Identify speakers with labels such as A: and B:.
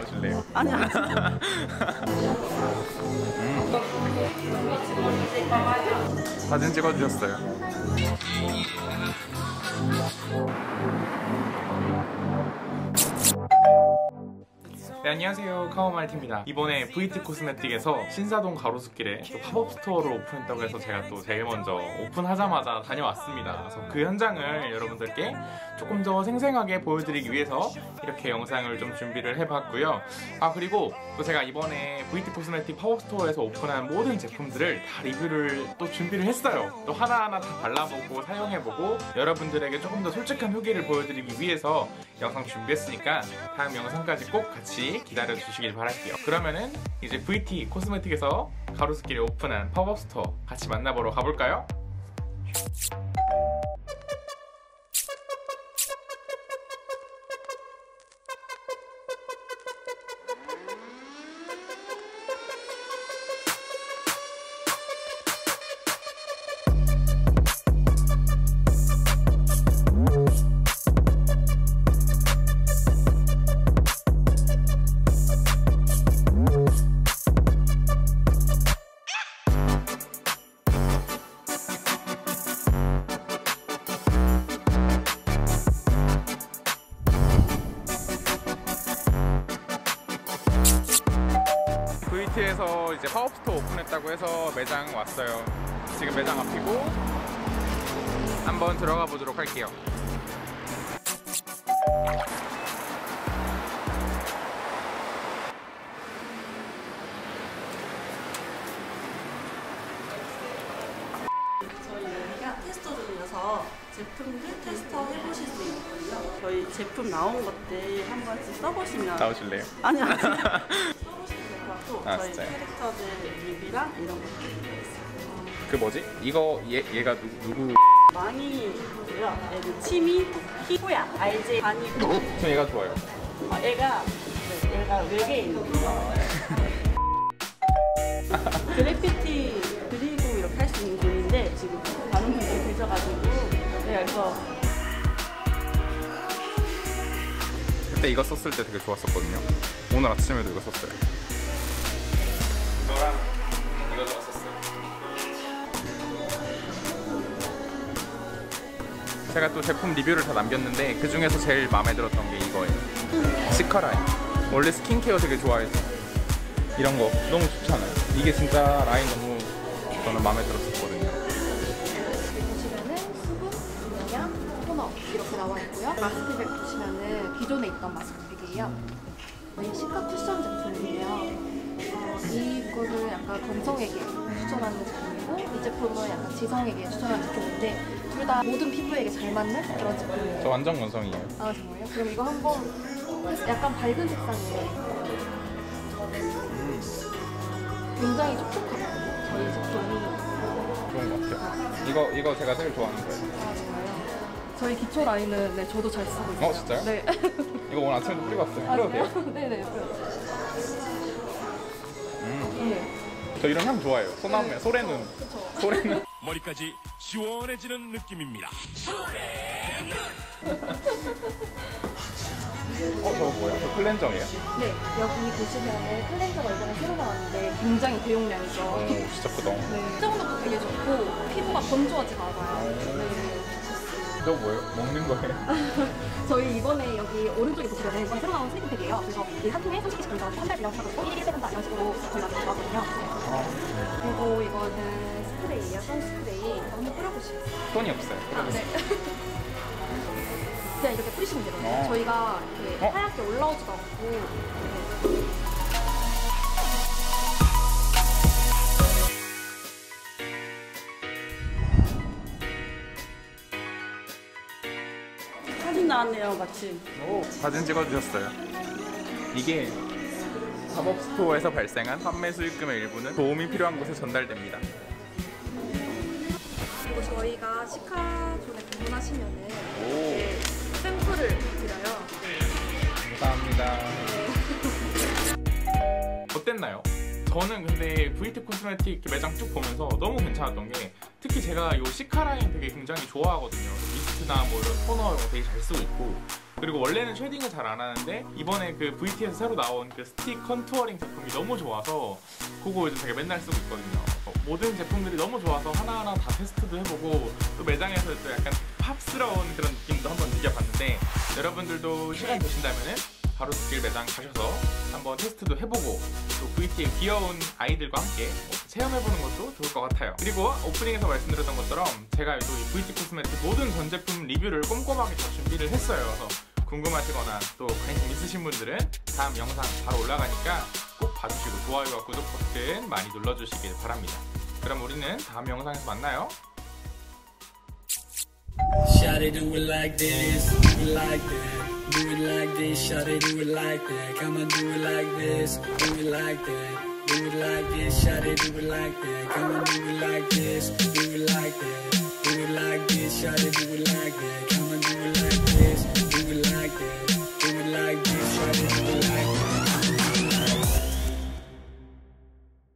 A: 나오실래요?
B: 아니야.
A: 사진 찍어주셨어요. 네, 안녕하세요. 카오마이트입니다. 이번에 VT 코스메틱에서 신사동 가로수길에 또 팝업 스토어를 오픈했다고 해서 제가 또 제일 먼저 오픈하자마자 다녀왔습니다. 그래서 그 현장을 여러분들께 조금 더 생생하게 보여드리기 위해서 이렇게 영상을 좀 준비를 해봤고요. 그리고 또 제가 이번에 VT 코스메틱 팝업 스토어에서 오픈한 모든 제품들을 다 리뷰를 또 준비를 했어요. 또 하나하나 다 발라보고 사용해보고 여러분들에게 조금 더 솔직한 후기를 보여드리기 위해서 영상 준비했으니까 다음 영상까지 꼭 같이 기다려주시길 바랄게요. 그러면은 이제 VT 코스메틱에서 가로수길에 오픈한 팝업 스토어 같이 만나보러 가볼까요? VT에서 이제 팝업 스토어 오픈했다고 해서 매장 왔어요. 지금 매장 앞이고 한번 들어가 보도록 할게요.
B: 저희 여기가 테스터 중이어서 제품들 테스터 해보실 수 있거든요. 저희 제품 나온 것들 한 번씩 써보시면
A: 나오실래요?
B: 아니야. 써보시면 될 것 같고 저희
A: 진짜요?
B: 캐릭터들 리뷰랑 이런 것들 있어요.
A: 그 뭐지? 이거 얘가 누구?
B: 많이 보고요. 얘는 치미, 희고야, 알제, 반이고.
A: 전 얘가 좋아요.
B: 얘가 외계인이에요. 그래피티 그리고 이렇게 할 수 있는 분인데 지금 많은 분들이 계셔가지고 그래서
A: 그때 이거 썼을 때 되게 좋았었거든요. 오늘 아침에도 이거 썼어요. 이거랑 이거 썼어요. 제가 또 제품 리뷰를 다 남겼는데 그 중에서 제일 마음에 들었던 게 이거예요. 시카라인. 원래 스킨케어 되게 좋아해서 이런 거 너무 좋잖아요. 이게 진짜 라인 너무 저는 마음에 들었었거든요.
C: 보시면은 수분, 영양, 토너 이렇게 나와 있고요. 마스크팩 보시면은 기존에 있던 마스크팩이에요. 저희 시카 쿠션 제품이에요. 이거를 약간 건성에게 추천하는 제품이고 이 제품은 약간 지성에게 추천하는 제품인데 둘 다 모든 피부에게 잘 맞는 그런 제품이에요.
A: 저 완전 건성이에요.
C: 아 정말요? 그럼 이거 한번 약간 밝은 색상이에요. 굉장히 촉촉하거든요. 저희 제품이.
A: 좋은 것 같아요. 이거 제가 제일 좋아하는 거예요.
C: 아 정말요? 저희 기초 라인은 네 저도 잘 쓰고 있어요.
A: 진짜요?
C: 네.
A: 이거 오늘 아침에도 뿌리고 왔어요.
C: 아,
A: 뿌려도 돼요?
C: 네네. 네.
A: 저 이런 향 좋아해요. 소나무에 소래눈.
C: 그쵸.
A: 소래눈.
D: 머리까지 시원해지는 느낌입니다.
A: 저거 뭐야? 저 클렌저예요?
C: 네, 여기 보시면은 클렌저가 이번에 새로 나왔는데 굉장히 대용량이죠.
A: 오, 진짜 크다.
C: 네, 수정력도 되게 좋고 피부가 건조하지가 않아요. 네.
A: 저거 뭐예요? 먹는 거예요?
C: 저희 이번에 여기 오른쪽에 보시면은 이번에 새로 나온 슬리팩이에요. 그래서 이 한 통에 30개씩 들어가서 한 달 분량 사고 1일 세분다 이런 식으로 저희가 나왔거든요. 그리고 이거는 스프레이예요. 선스프레이. 한번 뿌려보시겠어요?
A: 손이 없어요.
C: 네. 그냥 이렇게 뿌리시면 되거든요.
A: 어.
C: 저희가 이렇게
A: 어?
C: 하얗게 올라오지도 않고. 네.
B: 사진 나왔네요, 마침.
A: 사진 찍어주셨어요. 이게 팝업 스토어에서 발생한 판매 수익금의 일부는 도움이 필요한 곳에 전달됩니다.
C: 그리고 저희가 시카존에 방문하시면은 이렇게 샘플을 드려요.
A: 감사합니다. 어땠나요? 저는 근데 VT 코스메틱 매장 쭉 보면서 너무 괜찮았던 게 특히 제가 이 시카 라인 되게 굉장히 좋아하거든요. 미스트나 뭐 이런 토너 이런 거 되게 잘 쓰고 있고 그리고 원래는 쉐딩을 잘 안 하는데 이번에 그 VT에서 새로 나온 그 스틱 컨투어링 제품이 너무 좋아서 그거 요즘 제가 맨날 쓰고 있거든요. 모든 제품들이 너무 좋아서 하나하나 다 테스트도 해보고 또 매장에서 또 약간 팝스러운 그런 느낌도 한번 느껴봤는데, 여러분들도 시간 되신다면은 가로수길 매장 가셔서 한번 테스트도 해보고 또 VT의 귀여운 아이들과 함께 체험해보는 것도 좋을 것 같아요. 그리고 오프닝에서 말씀드렸던 것처럼 제가 또 이 VT 코스메틱 모든 전 제품 리뷰를 꼼꼼하게 다 준비를 했어요. 그래서 궁금하시거나 또 관심 있으신 분들은 다음 영상 바로 올라가니까 꼭 봐주시고 좋아요와 구독 버튼 많이 눌러주시길 바랍니다. 그럼 우리는 다음 영상에서 만나요.
E: Shawty do it like this, do it like that. Do it like this, shawty do it like that. Come on, do it like this, do it like that. Do it like this, shawty do it like that. Come on, do it like this, do it like that. Do it like this, shawty do it like that.